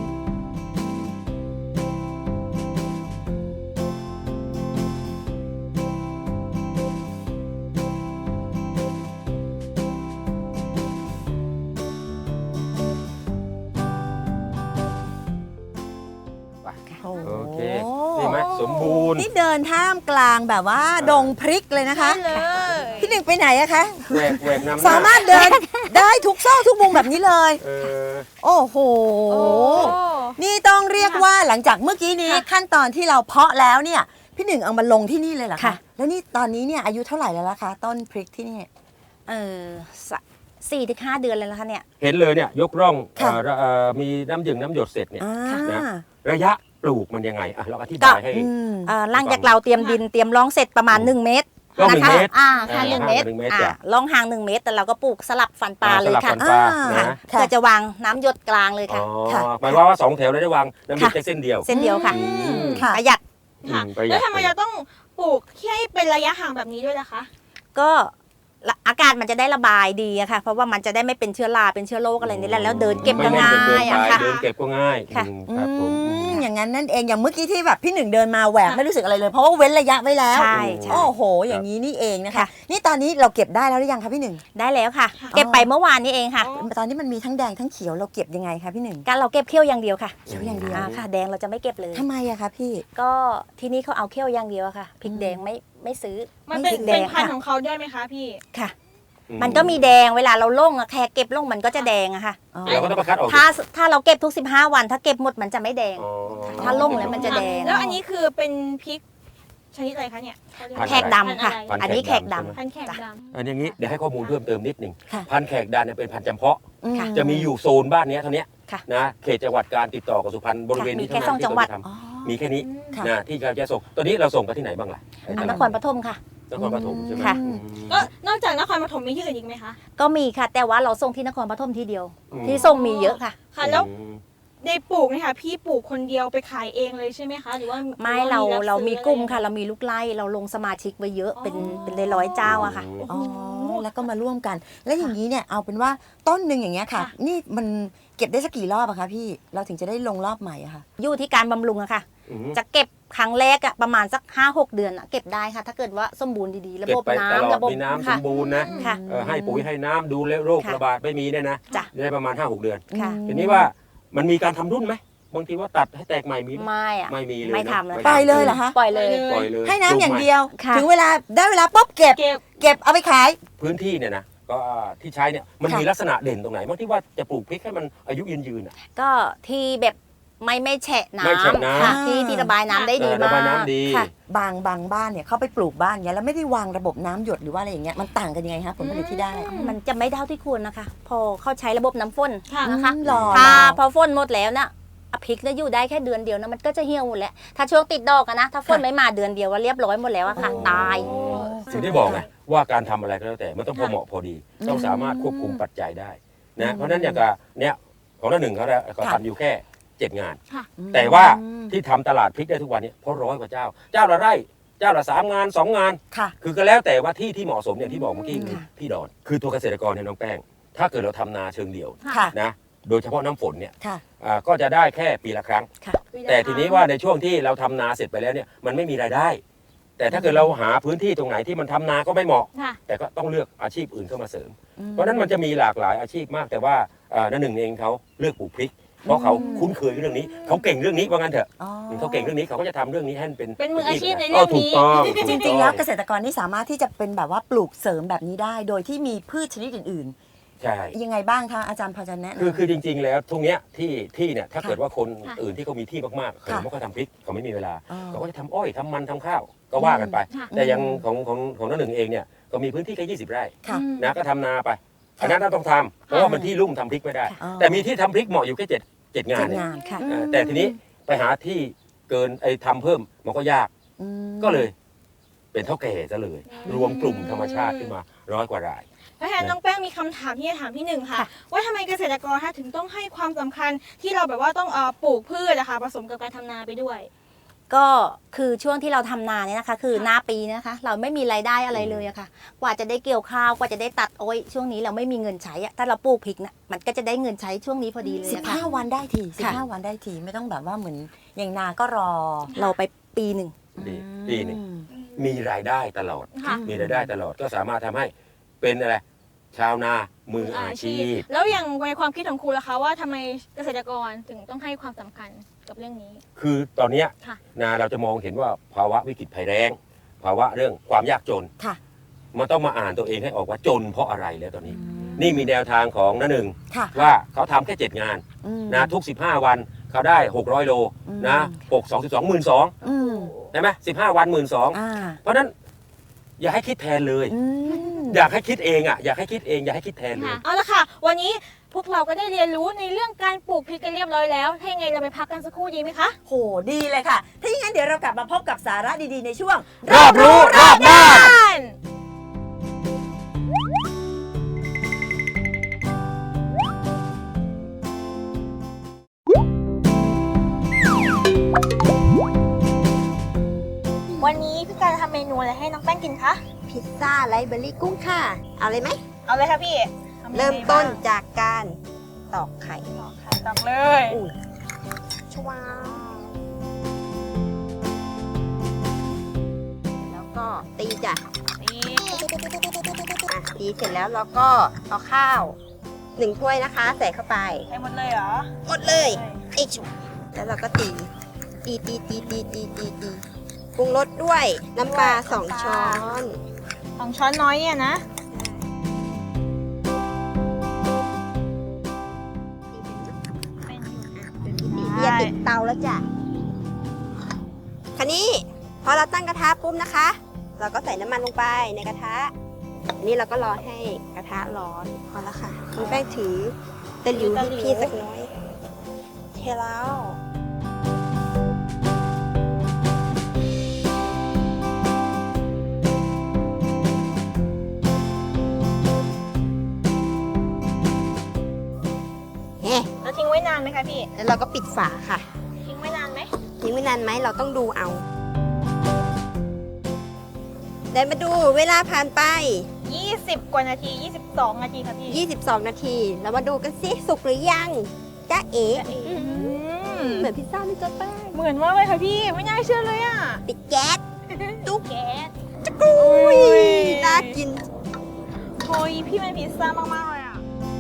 [SPEAKER 3] โอ้โห
[SPEAKER 1] โอเคนี่ไหมสมบูรณ์
[SPEAKER 3] นี่เดินท่ามกลางแบบว่าดงพริกเลยนะคะ
[SPEAKER 2] ได้เลย
[SPEAKER 3] พี่หนึ่งไปไหนอะคะ
[SPEAKER 1] แหวกแหวกน้ำหน้
[SPEAKER 3] สามารถเดิน ได้ทุกซอกทุกมุมแบบนี้เลย
[SPEAKER 1] เออ
[SPEAKER 3] โอ้โห
[SPEAKER 2] โอ้
[SPEAKER 3] นี่ต้องเรียกว่าหลังจากเมื่อกี้นี้
[SPEAKER 2] ค่ะ
[SPEAKER 3] ขั้นตอนที่เราเพาะแล้วเนี่ย พี่หนึ่งเอามาลงที่นี่เลยเหรอคะ
[SPEAKER 4] ค่ะ
[SPEAKER 3] แล้วนี่ตอนนี้เนี่ยอายุเท่าไหร่แล้วล่ะคะ ต้นพริกที่นี่
[SPEAKER 4] เออสะสี่ถึงห้าเดือนเลยแล้วค่ะเนี่ย
[SPEAKER 1] เห็นเลยเนี่ยยกร่อง
[SPEAKER 3] ค่ะ
[SPEAKER 1] เอ่อเอ่อมีน้ำหยึงน้ำหยดเสร็จเนี่ย
[SPEAKER 3] อ่า
[SPEAKER 1] นะ ระยะปลูกมันยังไงอ่ะเราอธิ
[SPEAKER 4] ก็
[SPEAKER 1] บายให้
[SPEAKER 3] อืม
[SPEAKER 4] เอ่อหลังจากเราเตรียมดินเตรียมร่องเสร็จประมาณหนึ่งเมตร
[SPEAKER 1] ร่องหนึ่
[SPEAKER 4] นะ
[SPEAKER 1] ง
[SPEAKER 4] คะ
[SPEAKER 1] เมตร
[SPEAKER 4] อ่าค่ะ
[SPEAKER 1] อ่า
[SPEAKER 4] หนึ่งเมตร
[SPEAKER 1] หนึ่งเมตร
[SPEAKER 4] อ่า
[SPEAKER 1] จ้ะ
[SPEAKER 4] ร่องห่างหนึ่งเมตรแต่เราก็ปลูกสลับฟันปลาเลย
[SPEAKER 1] สลับ
[SPEAKER 4] ค่ะ
[SPEAKER 1] ฟันปลา
[SPEAKER 3] อ่า
[SPEAKER 1] นะ
[SPEAKER 4] เพื่อจะวางน้ำหยดกลางเลย
[SPEAKER 1] อ๋
[SPEAKER 4] ค่ะ
[SPEAKER 1] อ
[SPEAKER 3] ค่ะ
[SPEAKER 1] หมายความว่าสองแถวเราได้วางน้ำหยด
[SPEAKER 4] ค่ะ
[SPEAKER 1] แค่เส้นเดียว
[SPEAKER 4] เส้นเดียวค่ะ
[SPEAKER 1] อืม
[SPEAKER 3] ค่ะ
[SPEAKER 4] ประหยัด
[SPEAKER 2] ค่ะ
[SPEAKER 1] อืมประหยัด
[SPEAKER 2] แล้วทำไมเราต้องปลูกที่ให้เป็นระยะห่างแบบนี้ด้วยล่ะคะ
[SPEAKER 4] ก็ละอากาศมันจะได้ระบายดีอะค่ะ เพราะว่ามันจะได้ไม่เป็นเชื้อราเป็นเชื้อโรคอะไรนี่แหละแล้วเดินเก็บ
[SPEAKER 1] ไม่
[SPEAKER 4] ก็
[SPEAKER 1] แน่น
[SPEAKER 4] ง่า
[SPEAKER 1] จนเกิน
[SPEAKER 4] ย
[SPEAKER 1] ไป
[SPEAKER 4] อะค่ะ
[SPEAKER 1] เดินเก็บก็ง่าย
[SPEAKER 4] ค่ะ
[SPEAKER 1] อืม
[SPEAKER 3] อื
[SPEAKER 1] ครับผม
[SPEAKER 3] มอย่างนั้นนั่นเองอย่างเมื่อกี้ที่แบบพี่หนึ่งเดินมาแหวกไม่รู้สึกอะไรเลย เพราะว่าเว้นระยะไว้แล้ว
[SPEAKER 4] ใช่ใช่
[SPEAKER 3] โอ้โห อย่างนี้นี่เองนะคะ
[SPEAKER 4] ค่ะ
[SPEAKER 3] นี่ตอนนี้เราเก็บได้แล้วหรือยังคะพี่หนึ่ง
[SPEAKER 4] ได้แล้วค่ะ
[SPEAKER 2] ค่ะ
[SPEAKER 4] เก็บไปเมื่อวานนี้เองค่ะ
[SPEAKER 2] อ๋อ
[SPEAKER 3] ตอนนี้มันมีทั้งแดงทั้งเขียวเราเก็บยังไงคะพี่หนึ่ง
[SPEAKER 4] การเราเก็บเขี้ยวอย่างเดียวค่ะ
[SPEAKER 3] เขียวอย่างเดียว
[SPEAKER 4] อ่าค่ะ แดงเราจะไม่เก็บเลย
[SPEAKER 3] ทำไมอะคะพี่
[SPEAKER 4] ก็ที่นี่เขาเอาเขี้ยวอย่างเดียวอะค่ะพริกแดงไม่ไม่ซื้อ
[SPEAKER 2] มันเป็น
[SPEAKER 4] พริกแด
[SPEAKER 2] เป็น
[SPEAKER 4] ง
[SPEAKER 2] พันธุ์
[SPEAKER 4] ค่ะ
[SPEAKER 2] ของเขาด้วยไหมคะพี่
[SPEAKER 4] ค่ะ
[SPEAKER 1] อื
[SPEAKER 4] มันก็มีแดงเวลาเราลงอะแค่เก็บลงมันก็จะแดงอะค่ะ
[SPEAKER 3] อ๋อ
[SPEAKER 1] เราก็ต้องมาคัดออก
[SPEAKER 4] ถ้าถ้าเราเก็บทุกสิบห้าวัน ถ้าเก็บหมดมันจะไม่แดง
[SPEAKER 1] อ๋อ
[SPEAKER 4] ถ้าลงแล้วมันจะแดง
[SPEAKER 2] แล้วอันนี้คือเป็นพริกชนิดอะไรคะเนี่ย
[SPEAKER 1] พันธุ์
[SPEAKER 4] แขกดำค่ะ
[SPEAKER 1] พันธุ์
[SPEAKER 4] อันนี้แขกดำ
[SPEAKER 1] ใช่ไหม
[SPEAKER 2] พันธุ์แขกด
[SPEAKER 1] อันอย่างนี้เดี๋ยวให้ข้อมูลเพิ่มเติมนิดหนึ่ง
[SPEAKER 3] ค่ะ
[SPEAKER 1] พันธุ์แขกดานเนี่ยเป็นพันธุ์จำเพาะ
[SPEAKER 3] อื
[SPEAKER 4] ค่ะ
[SPEAKER 1] จะมีอยู่โซนบ้านเนี้ยเท่านี้
[SPEAKER 4] ค่ะ
[SPEAKER 1] นะเขตจังหวัดการติดต่อกับสุพรรณบริเวณนี้
[SPEAKER 4] มีแค่
[SPEAKER 1] เท่านั้น
[SPEAKER 4] สองจังหวัด
[SPEAKER 1] ที่เราจะ
[SPEAKER 3] อ๋อ
[SPEAKER 1] ทำมีแค่นี้
[SPEAKER 3] ค่ะ
[SPEAKER 1] นะที่เราจะส่งตัวนี้เราส่งไปที่ไหนบ้างล่ะไอ้
[SPEAKER 4] อั
[SPEAKER 1] ต
[SPEAKER 4] นน
[SPEAKER 1] ลาด
[SPEAKER 4] ครปฐมค่ะ
[SPEAKER 1] นครปฐมใช่ไหม
[SPEAKER 4] ค่ะ
[SPEAKER 1] อืม
[SPEAKER 2] ำก็นอกจากนครปฐมมีที่อื่นอีกไหมคะ
[SPEAKER 4] ก็มีค่ะ แต่ว่าเราส่งที่นครปฐมทีเดียว
[SPEAKER 1] อืม
[SPEAKER 4] ที่ส่งมีเยอะค่ะ
[SPEAKER 2] ค่ะ แล้ว
[SPEAKER 1] อืม
[SPEAKER 2] ในปลูกเนี่ยค่ะพี่ปลูกคนเดียวไปขายเองเลยใช่ไหมคะ หรือว่า
[SPEAKER 4] ไม่
[SPEAKER 2] หอว่
[SPEAKER 4] เรา
[SPEAKER 2] บ
[SPEAKER 4] เรา
[SPEAKER 2] ซื้อ
[SPEAKER 4] มีกลุ่ม
[SPEAKER 2] อไร
[SPEAKER 4] ค่ะ เรามีลูกไล่เราลงสมาชิกไว้เยอะเป็น
[SPEAKER 2] อ๋อ
[SPEAKER 4] เป็นร้อยๆเจ้าอะค่ะ
[SPEAKER 3] อ๋อ แล้วก็มาร่วมกัน แล้วอย่างนี้เนี่ยเอาเป็นว่าต้นหนึ่งอย่างเงี้ยค่ะ
[SPEAKER 2] ค่ะ
[SPEAKER 3] นี่มันเก็บได้สักกี่รอบอะคะพี่ เราถึงจะได้ลงรอบใหม่อะค่ะ
[SPEAKER 4] อยู่ที่การบำรุงอะค่ะ
[SPEAKER 1] อืม
[SPEAKER 4] จะเก็บครั้งแรกอะประมาณสักห้าหกเดือนอะเก็บได้ค่ะ ถ้าเกิดว่าสมบูรณ์ดีๆ ระ
[SPEAKER 1] เก็
[SPEAKER 4] บบ
[SPEAKER 1] ไปตล
[SPEAKER 4] น้ำ
[SPEAKER 1] อด
[SPEAKER 4] ระบบ
[SPEAKER 1] มีน้ำส
[SPEAKER 4] ค่ะ
[SPEAKER 1] มบูรณ์นะ
[SPEAKER 4] ค่ะ
[SPEAKER 1] เออให้ปุ๋ยให้น้ำดูแลโรค
[SPEAKER 4] ค่ะ
[SPEAKER 1] ระบาดไม่มีเนี่ยนะ
[SPEAKER 4] จ้ะ
[SPEAKER 1] ได้ประมาณห้าหกเดือน
[SPEAKER 4] ค่ะ
[SPEAKER 1] ทีนี้ว่ามันมีการทำรุ่นไหมบางทีว่าตัดให้แตกใหม่มีไหม
[SPEAKER 4] ไม่อะ
[SPEAKER 1] ไม่มีเลย
[SPEAKER 4] ไม่
[SPEAKER 1] นะ
[SPEAKER 4] ทำแล้ว
[SPEAKER 3] ปล่อยเลยเหรอคะ
[SPEAKER 4] ปล่อยเลย
[SPEAKER 1] ปล่อยเลย
[SPEAKER 3] ให้น้ำอย่างเดียว
[SPEAKER 4] ค่ะ
[SPEAKER 3] ถึงเวลาได้เวลาปุ๊บเก็บ
[SPEAKER 2] เก็บ
[SPEAKER 3] เก็บเอาไปขาย
[SPEAKER 1] พื้นที่เนี่ยนะก็ที่ใช้เนี่ยมัน
[SPEAKER 3] ค่ะ
[SPEAKER 1] มีลักษณะเด่นตรงไหนบางที่ว่าจะปลูกพริกให้มันอายุยืนยืนๆอ่ะ
[SPEAKER 4] ก็ที่แบบไม่ไม่แฉะน้
[SPEAKER 1] ไม่แฉะน้ำ
[SPEAKER 4] ำค่ะที่ที่ระบายน้ำได้ดี
[SPEAKER 1] เออระ
[SPEAKER 4] มา
[SPEAKER 1] บาย
[SPEAKER 4] ก
[SPEAKER 1] น้ำดี
[SPEAKER 4] ค่ะ
[SPEAKER 3] บางบางบ้านเนี่ยเขาไปปลูกบ้านเงี้ยแล้วไม่ได้วางระบบน้ำหยดหรือว่าอะไรอย่างเงี้ยมันต่างกันยังไงคะผลผลิตที่ได้
[SPEAKER 4] มันจะไม่เท่าที่ควรนะคะ พอเขาใช้ระบบน้ำฝน
[SPEAKER 2] ค่ะ
[SPEAKER 4] นะคะ
[SPEAKER 3] อืมหรอ
[SPEAKER 4] ถ้า
[SPEAKER 3] หรอ
[SPEAKER 4] พอฝนหมดแล้วนะอะพริกเนี่ยอยู่ได้แค่เดือนเดียวนะมันก็จะเหี่ยวหมดแล้วถ้าช่วงติดดอกอะนะถ้าฝนไม่มาเดือนเดียวว่าเรียบร้อยหมดแล้วอะค่ะ ตาย
[SPEAKER 1] ถึงได้บอกไงว่าการทำอะไรก็แล้วแต่มันต้องพอเหมาะพอดี ต้องสามารถควบคุมปัจจัยได้นะเพราะฉะนั้นอย่างกับเนี้ยของน้าหนึ่งเขาเนี่ยเขาทำอยู่แค่เจ็ดงาน แต่ว่าที่ทำตลาดพริกได้ทุกวันนี้เพราะร้อยกว่าเจ้า เจ้าละไร่เจ้าละสามงานสองงาน
[SPEAKER 3] ค่ะ
[SPEAKER 1] คือก็แล้วแต่ว่าที่ที่เหมาะสมอย่างที่บอกเมื่อกี้คือพี่ดอนคือตัวเกษตรกรเนี่ยน้องแป้ง ถ้าเกิดเราทำนาเชิงเดี่ยว
[SPEAKER 3] ค่ะ
[SPEAKER 1] นะโดยเฉพาะน้ำฝนเนี่ย
[SPEAKER 3] ค่ะ
[SPEAKER 1] อ่าก็จะได้แค่ปีละครั้ง
[SPEAKER 3] ค่ะ
[SPEAKER 1] แต่ทีนี้ว่าในช่วงที่เราทำนาเสร็จไปแล้วเนี่ยมันไม่มีรายได้ แต่ถ้าเกิดเราหาพื้นที่ตรงไหนที่มันทำนาก็ไม่เหมาะ
[SPEAKER 2] ค่ะ
[SPEAKER 1] แต่ก็ต้องเลือกอาชีพอื่นเข้ามาเสริม เพราะฉะนั้นมันจะมีหลากหลายอาชีพมาก แต่ว่าอ่านั่นหนึ่งเองเขาเลือกปลูกพริก เพราะเขาคุ้นเคยเรื่องนี้เขาเก่งเรื่องนี้ว่างั้นเถอะ
[SPEAKER 3] อ๋อ
[SPEAKER 1] เขาเก่งเรื่องนี้เขาก็จะทำเรื่องนี้ให้เป็น
[SPEAKER 2] เป็นมืออาชีพในเรื่องนี้
[SPEAKER 1] ถูกต้อง
[SPEAKER 3] จริงๆแล้วเกษตรกรนี่สามารถที่จะเป็นแบบว่าปลูกเสริมแบบนี้ได้ โดยที่มีพืชชนิดอื่น
[SPEAKER 1] ใช่
[SPEAKER 3] ๆ ยังไงบ้างคะอาจารย์พอจะแนะนำ
[SPEAKER 1] คือคือจริง ๆ แล้วทุกเนี้ยที่ที่เนี่ยถ้า
[SPEAKER 3] ค่ะ
[SPEAKER 1] เกิดว่าคน
[SPEAKER 2] ค่ะ
[SPEAKER 1] อื่นที่เขามีที่มากๆเขา
[SPEAKER 3] ค่ะ
[SPEAKER 1] ไม่ค่อยทำพริกเขาไม่มีเวลา
[SPEAKER 3] อ๋อ
[SPEAKER 1] เขาก็จะทำอ้อยทำมันทำข้าวก็ว่ากันไป
[SPEAKER 2] ค่ะ
[SPEAKER 1] แต่อยังของของของน้าหนึ่งเองเนี่ยก็มีพื้นที่แค่ยี่สิบไร่
[SPEAKER 3] ค่ะ
[SPEAKER 1] นะก็ทำนาไปอันนั้นน่าต้องทำเพราะว่ามันที่ลุ่มทำพริกไม่ได้
[SPEAKER 3] อ๋อ
[SPEAKER 1] แต่มีที่ทำพริกเหมาะอยู่แค่เจ็ดเจ็ดงาน
[SPEAKER 3] เจ็ด
[SPEAKER 1] เนี่ย
[SPEAKER 3] งานค่ะ
[SPEAKER 1] เออแต่ทีนี้ไปหาที่เกินไอ้ทำเพิ่มมันก็ยาก
[SPEAKER 3] อืม
[SPEAKER 1] ก็เลย เป็นเท่าแก่ซะเลย รวมกลุ่มธรรมชาติขึ้นมาร้อยกว่าราย
[SPEAKER 2] เพราะฉะนั้นน้องแป้งมีคำถามที่จะถามพี่หนึ่งค่ะ ว่าทำไมเกษตรกรคะถึงต้องให้ความสำคัญที่เราแบบว่าต้องเอ่อปลูกพืชนะคะผสมกับการทำนาไปด้วย
[SPEAKER 4] ก็คือช่วงที่เราทำนาเนี่ยนะคะ คือหน้าปีนะคะ เราไม่มีรายได้อะไรเลยอะค่ะ กว่าจะได้เกี่ยวข้าวกว่าจะได้ตัดโอ้ยช่วงนี้เราไม่มีเงินใช้อะถ้าเราปลูกพริกนะมันก็จะได้เงินใช้ช่วงนี้พอดีเลย
[SPEAKER 3] สิบ
[SPEAKER 4] อะค่ะ
[SPEAKER 3] ห้าวันได้ทีสิบ
[SPEAKER 4] ค่ะ
[SPEAKER 3] ห้าวันได้ทีไม่ต้องแบบว่าเหมือนอย่างนาก็รอ
[SPEAKER 4] เราไปปีหนึ่ง
[SPEAKER 1] ปีปีหนึ่ง
[SPEAKER 3] อืม
[SPEAKER 1] มีรายได้ตลอด
[SPEAKER 2] ค่ะ
[SPEAKER 1] มีรายได้ตลอดก็สามารถทำให้เป็นอะไรชาวนามืออาชีพ
[SPEAKER 2] แล้วอย่างในความคิดของครูล่ะคะว่าทำไมเกษตรกรถึงต้องให้ความสำคัญกับเรื่องนี้
[SPEAKER 1] คือตอนเนี้ย
[SPEAKER 2] ค่ะ
[SPEAKER 1] นาเราจะมองเห็นว่าภาวะวิกฤตภัยแล้ง ภาวะเรื่องความยากจน
[SPEAKER 3] ค่ะ
[SPEAKER 1] มันต้องมาอ่านตัวเองให้ออกว่าจนเพราะอะไรแล้วตอนนี้ นี่มีแนวทางของน้าหนึ่ง
[SPEAKER 3] ค่ะ
[SPEAKER 1] ว่าเขาทำแค่เจ็ดงาน
[SPEAKER 3] อืม
[SPEAKER 1] นะทุกสิบห้าวันเขาได้หกร้อยโล
[SPEAKER 3] อืม
[SPEAKER 1] นะหกสองสิบสองหมื่นสอง
[SPEAKER 3] อืม
[SPEAKER 1] ใช่ไหมสิบห้าวันหมื่นสอง
[SPEAKER 3] อ่า
[SPEAKER 1] เพราะฉะนั้นอย่าให้คิดแทนเลย
[SPEAKER 3] อืม
[SPEAKER 1] อยากให้คิดเองอ่ะอยากให้คิดเองอยากให้คิดแทนเลย
[SPEAKER 2] ค่ะเอาละค่ะ วันนี้พวกเราก็ได้เรียนรู้ในเรื่องการปลูกพริกกันเรียบร้อยแล้วถ้ายังไงเราไปพักกันสักครู่ดีไหมคะ
[SPEAKER 3] โหดีเลยค่ะ ถ้าอย่างนั้นเดี๋ยวเรากลับมาพบกับสาระดีๆในช่วง
[SPEAKER 1] รอบรู้รอบด้าน
[SPEAKER 2] วันนี้พี่การจะทำเมนูอะไรให้น้องแป้งกินคะ
[SPEAKER 5] พิซซ่าไรซ์เบอร์รี่กุ้งค่ะ เอาเลยไหม
[SPEAKER 2] เอาเลยค่ะพี่ทำยังไง
[SPEAKER 5] เริ่มต้น
[SPEAKER 2] บ้าง
[SPEAKER 5] จากการตอกไข่
[SPEAKER 2] ตักเลย
[SPEAKER 5] ชวาแล้วก็ตีจ้ะ
[SPEAKER 2] นี่
[SPEAKER 5] อ่ะตีเสร็จแล้วเราก็เอาข้าวหนึ่งถ้วยนะคะ ใส่เข้าไป
[SPEAKER 2] ให้หมดเลยเหรอ
[SPEAKER 5] หมดเลยไอ้ชุแล้วเราก็ตี ตีตีตีตีตีตีตีปรุงรสด้วยน้ำปลาสองช้อน
[SPEAKER 2] สองช้อนน้อยเนี่ยนะ
[SPEAKER 5] ตีอย่าติดเตาแล้วจ้ะคันนี้พอเราตั้งกระทะปุ๊บนะคะ เราก็ใส่น้ำมันลงไปในกระทะอันนี้เราก็รอให้กระทะร้อนพอแล้วค่ะคุณแป้งถือตะหลิวให้พี่สักน้อยเทแล้วเฮ้
[SPEAKER 2] แล้วทิ้งไว้นานไหมคะพี่
[SPEAKER 5] แล้วเราก็ปิดฝาค่ะ
[SPEAKER 2] ทิ้งไว้นานไหม
[SPEAKER 5] ทิ้งไว้นานไหมเราต้องดูเอาเดินมาดูเวลาผ่านไป
[SPEAKER 2] ยี่สิบกว่านาที ยี่สิบสองนาทีค่ะพี่
[SPEAKER 5] ยี่สิบสองนาที เรามาดูกันสิสุกหรือยังจ้าเอ๋
[SPEAKER 2] อืม
[SPEAKER 5] เหมือนพิซซ่าไม่จ้าแป้ง
[SPEAKER 2] เหมือนมากเลยค่ะพี่ ไม่น่าเชื่อเลยอ่ะ
[SPEAKER 5] ปิดแก๊ส
[SPEAKER 2] ตุ๊กแก๊ส
[SPEAKER 5] อุ้ยน่ากิน
[SPEAKER 2] โอ้ยพี่เป็นพิซซ่ามากๆเลยอ่ะ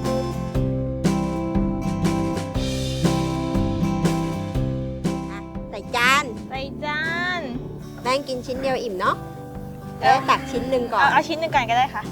[SPEAKER 5] ใส่จาน
[SPEAKER 2] ใส่จาน
[SPEAKER 5] แป้งกินชิ้นเดียวอิ่มเนาะแล้วตักชิ้นหนึ่งก่อ
[SPEAKER 2] เอา
[SPEAKER 5] น
[SPEAKER 2] เอาชิ้นหนึ่งก่อนก็ได้ค่ะ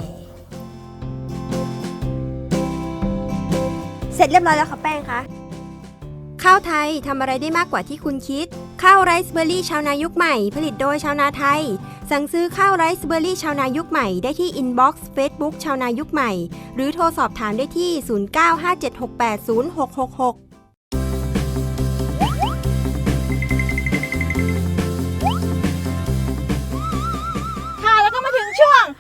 [SPEAKER 5] เสร็จเรียบร้อยแล้วค่ะแป้งคะข้าวไทยทำอะไรได้มากกว่าที่คุณคิด ข้าวไรซ์เบอร์รี่ชาวนายุคใหม่ ผลิตโดยชาวนาไทย สั่งซื้อข้าวไรซ์เบอร์รี่ชาวนายุคใหม่ได้ที่อินบ็อกซ์เฟซบุ๊กชาวนายุคใหม่ หรือโทรสอบถามได้ที่ ศูนย์ เก้า ห้า เจ็ด หก แปด ศูนย์ หก หก หก
[SPEAKER 2] ค่ะ แล้วก็มา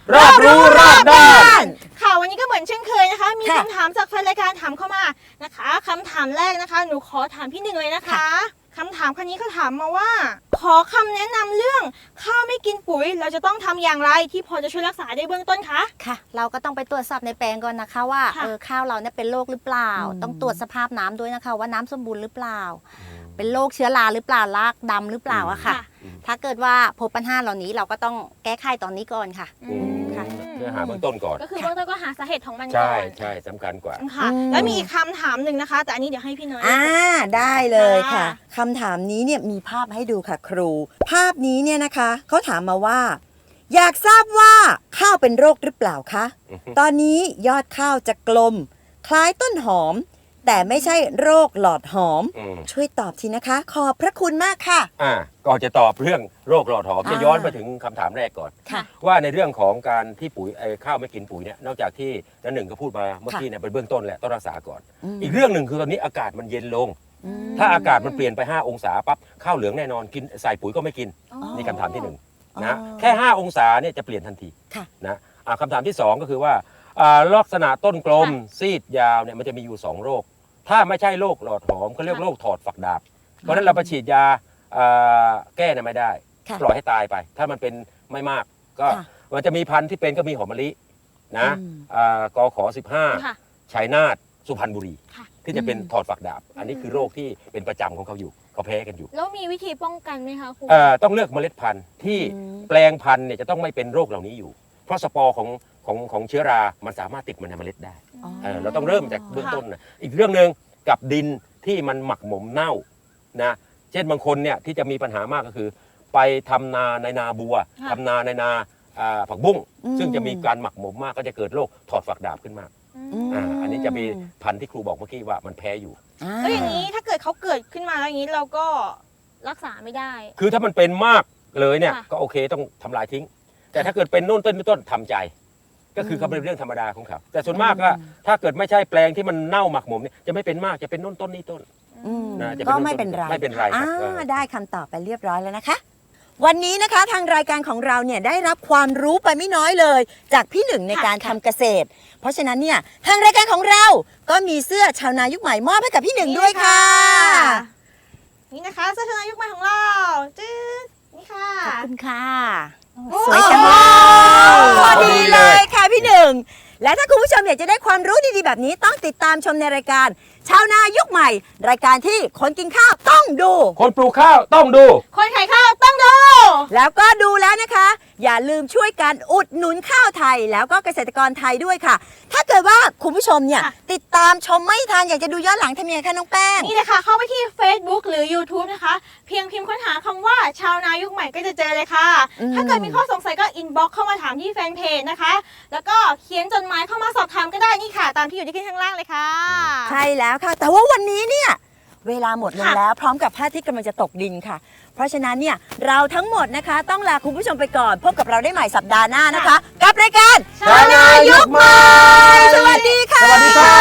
[SPEAKER 1] รอบรู้รอบด้าน
[SPEAKER 2] ค่ะวันนี้ก็เหมือนเช่นเคยนะคะ มี
[SPEAKER 3] ค่ะ
[SPEAKER 2] คำถามจากแฟนรายการถามเข้ามานะคะคำถามแรกนะคะหนูขอถามพี่หนึ่งเลยนะคะคำถามคันนี้เขาถามมาว่า ขอคำแนะนำเรื่องข้าวไม่กินปุ๋ยเราจะต้องทำอย่างไรที่พอจะช่วยรักษาได้เบื้องต้นคะ
[SPEAKER 4] ค่ะ เราก็ต้องไปตรวจสอบในแปลงก่อนนะคะว่า
[SPEAKER 2] ค่ะ
[SPEAKER 4] เออข้าวเราเนี่ยเป็นโรคหรือเปล่า
[SPEAKER 3] อืม
[SPEAKER 4] ต้องตรวจสภาพน้ำด้วยนะคะ ว่าน้ำสมบูรณ์หรือเปล่า เป็นโรคเชื้อราหรือเปล่ารากดำหรือเปล่าอะค่ะ ถ้าเกิดว่าพบปัญหาเหล่านี้เราก็ต้องแก้ไขตอนนี้ก่อนค่ะ
[SPEAKER 1] อืม
[SPEAKER 4] ค่ะ
[SPEAKER 1] เพื่อหาเบื้องต้นก่อน
[SPEAKER 2] ก็คือเบื้องต้นก็หาสาเหตุของมันก่
[SPEAKER 1] ใช่
[SPEAKER 2] อน
[SPEAKER 1] ใช่สำคัญกว่า
[SPEAKER 2] ค่ะ แล้วมีอีกคำถามหนึ่งนะคะ แต่อันนี้เดี๋ยวให้พี่น้อย
[SPEAKER 3] อ่าได้เลยค่ะ
[SPEAKER 2] ค่ะ
[SPEAKER 3] คำถามนี้เนี่ยมีภาพให้ดูค่ะครู ภาพนี้เนี่ยนะคะเขาถามมาว่า อยากทราบว่าข้าวเป็นโรคหรือเปล่าคะ
[SPEAKER 1] อือฮึ
[SPEAKER 3] ตอนนี้ยอดข้าวจะกลม คล้ายต้นหอม แต่ไม่ใช่โรคหลอดหอม
[SPEAKER 1] อืม
[SPEAKER 3] ช่วยตอบทีนะคะ ขอบพระคุณมากค่ะ
[SPEAKER 1] อ่าก่อนจะตอบเรื่องโรคหลอดหอมจะ
[SPEAKER 3] อ่า
[SPEAKER 1] ย้อนไปถึงคำถามแรกก่อน
[SPEAKER 3] ค่ะ
[SPEAKER 1] ว่าในเรื่องของการที่ปุ๋ยไอ้ข้าวไม่กินปุ๋ยเนี่ยนอกจากที่นันหนึ่งก็พูดมาเมื่อกี้เนี่ยเป็นเบื้องต้นแหละต้องรักษาก่อน
[SPEAKER 3] ม
[SPEAKER 1] อีกเรื่องหนึ่งคือตอนนี้อากาศมันเย็นลง
[SPEAKER 3] อืม
[SPEAKER 1] ถ้าอากาศมันเปลี่ยนไป ห้า องศาปั๊บข้าวเหลืองแน่นอนกินใส่ปุ๋ยก็ไม่กิน
[SPEAKER 2] อ๋อ
[SPEAKER 1] นี่คำถามที่หนึ่ง
[SPEAKER 3] อ๋อ
[SPEAKER 1] นะแค่ ห้า องศาเนี่ยจะเปลี่ยนทันที
[SPEAKER 3] ค่ะ
[SPEAKER 1] นะอ่าคำถามที่สองก็คือว่าอ่าลักษณะต้นกลมซีดยาวเนี่ยมันจะมีอยู่สองโรค ถ้าไม่ใช่โรคหลอดหอมเขาเรียกโรคถอดฝักดาบ เพราะฉะนั้นเราไปฉีดยาอ่าแก้เนี่ยไม่ได้
[SPEAKER 3] ค่ะ
[SPEAKER 1] ปล่อยให้ตายไป ถ้ามันเป็นไม่มากก็
[SPEAKER 3] ค่ะ
[SPEAKER 1] มันจะมีพันธุ์ที่เป็นก็มีหอมมะลินะ
[SPEAKER 3] อืม
[SPEAKER 1] อ่ากอขอสิบห้า
[SPEAKER 2] ค่ะ
[SPEAKER 1] ชัยนาทสุพรรณบุรี
[SPEAKER 2] ค่ะ
[SPEAKER 1] ที่จะเป็น
[SPEAKER 3] อืม
[SPEAKER 1] ถอดฝักดาบ อันนี้คือโรคที่เป็นประจำของเขาอยู่เขาแพ้กันอยู่
[SPEAKER 2] แล้วมีวิธีป้องกันไหมคะครู
[SPEAKER 1] เอ่อต้องเลือกเมล็ดพันธุ์ที่
[SPEAKER 3] อืม
[SPEAKER 1] แปลงพันธุ์เนี่ยจะต้องไม่เป็นโรคเหล่านี้อยู่ เพราะสปอร์ของของของเชื้อรา มันสามารถติดมันในเมล็ดได้
[SPEAKER 3] อ๋อ
[SPEAKER 1] เออเราต้องเริ่มจากเบื้องต้นนะอีกเรื่องหนึ่งกับดินที่มันหมักหมมเน่านะเช่นบางคนเนี่ยที่จะมีปัญหามากก็คือ ไปทำนาในนาบัว
[SPEAKER 2] ค่ะ
[SPEAKER 1] ทำนาในนาอ่าผักบุ้ง
[SPEAKER 3] อืม
[SPEAKER 1] ซึ่งจะมีการหมักหมมมากก็จะเกิดโรคถอดฝักดาบขึ้นมา
[SPEAKER 2] อืม
[SPEAKER 1] อ่าอันนี้จะมีพันธุ์ที่ครูบอกเมื่อกี้ว่ามันแพ้อยู่
[SPEAKER 3] อ่า
[SPEAKER 2] แล้วอย่างนี้ถ้าเกิดเขาเกิดขึ้นมาแล้วอย่างนี้เราก็รักษาไม่ได้
[SPEAKER 1] คือถ้ามันเป็นมากเลยเนี่ย
[SPEAKER 2] ค่ะ
[SPEAKER 1] ก็โอเคต้องทำลายทิ้ง แต่ถ้าเกิดเป็นโน่นต้นนี่ต้นทำใจ ก็คือเขาเป็นเรื่องธรรมดาของเขาแต่ส่วนมากก็ถ้าเกิดไม่ใช่แปลงที่มันเน่าหมักหมมเนี่ยจะไม่เป็นมากจะเป็นโน่นต้นนี่ต้น
[SPEAKER 3] อืม
[SPEAKER 1] นะจะเป็น
[SPEAKER 3] ก็ไม่เป็นไร
[SPEAKER 1] ไม่เป็นไรครับ
[SPEAKER 3] อ่า
[SPEAKER 1] เออ
[SPEAKER 3] ได้คำตอบไปเรียบร้อยแล้วนะคะ วันนี้นะคะทางรายการของเราเนี่ยได้รับความรู้ไปไม่น้อยเลย จากพี่หนึ่งในการทำเกษตร เพราะฉะนั้นเนี่ยทางรายการของเราก็มีเสื้อชาวนายุคใหม่มอบให้กับพี่หนึ่งด้วยค่ะ
[SPEAKER 2] นี่นะคะเสื้อชาวนายุคใหม่ของเราจืดนี่ค่ะ
[SPEAKER 4] ขอบคุณค่ะ
[SPEAKER 3] สวยจังเลยพอดีเลยค่ะพี่หนึ่ง และถ้าคุณผู้ชมอยากจะได้ความรู้ดีๆแบบนี้ต้องติดตามชมในรายการ ชาวนายุคใหม่ รายการที่คนกินข้าวต้องดู
[SPEAKER 1] คนปลูกข้าวต้องดู
[SPEAKER 2] คนขายข้าวต้องดู
[SPEAKER 3] แล้วก็ดูแล้วนะคะ อย่าลืมช่วยกันอุดหนุนข้าวไทย แล้วก็เกษตรกรไทยด้วยค่ะ ถ้าเกิดว่าคุณผู้ชมเนี่ย
[SPEAKER 2] ค่ะ
[SPEAKER 3] ติดตามชมไม่ทันอยากจะดูย้อนหลังทำยังไงคะน้องแป้ง
[SPEAKER 2] นี่นะคะเข้าไปที่ Facebook หรือ YouTube นะคะ เพียงพิมพ์ค้นหาคำว่าชาวนายุคใหม่ก็จะเจอเลยค่ะ
[SPEAKER 3] อืม
[SPEAKER 2] ถ้าเกิดมีข้อสงสัยก็อินบ็อกเข้ามาถามที่แฟนเพจนะคะ แล้วก็เขียนจดหมายเข้ามาสอบถามก็ได้นี่ค่ะ ตามที่อยู่ที่ขึ้นข้างล่างเลยค่ะ
[SPEAKER 3] ใช่แล้วค่ะ แต่ว่าวันนี้เนี่ยเวลาหมดลง
[SPEAKER 2] ค่ะ
[SPEAKER 3] แล้วพร้อมกับพระอาทิตย์กำลังจะตกดินค่ะ เพราะฉะนั้นเนี่ยเราทั้งหมดนะคะ ต้องลาคุณผู้ชมไปก่อน พบกับเราได้ใหม่สัปดาห์หน้านะคะ กับรายการ
[SPEAKER 1] ชาวนายุคใหม่
[SPEAKER 3] สวัสดีค่ะ
[SPEAKER 1] สวัสดีครับ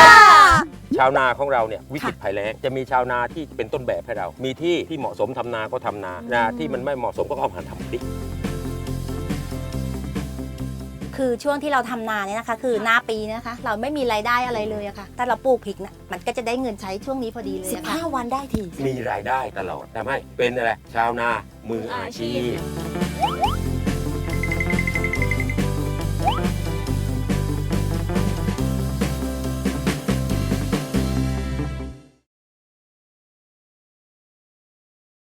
[SPEAKER 1] ชาวนาของเราเนี่ยวิกฤตภัยแล้งจะมีชาวนาที่เป็นต้นแบบให้เรา มีที่ที่เหมาะสมทำนาก็ทำนานาที่มันไม่เหมาะสมก็เอามาทำพริก
[SPEAKER 4] คือช่วงที่เราทำนาเนี่ยนะคะ คือหน้าปีเนยนะคะ เราไม่มีรายได้อะไรเลยอะค่ะแต่เราปลูกพริกนะมันก็จะได้เงินใช้ช่วงนี้พอดีเลย
[SPEAKER 3] สิบ
[SPEAKER 4] อะค่ะ
[SPEAKER 3] ห้าวันได้ที
[SPEAKER 1] มีรายได้ตลอดทำให้เป็นอะไรชาวนามืออาชีพ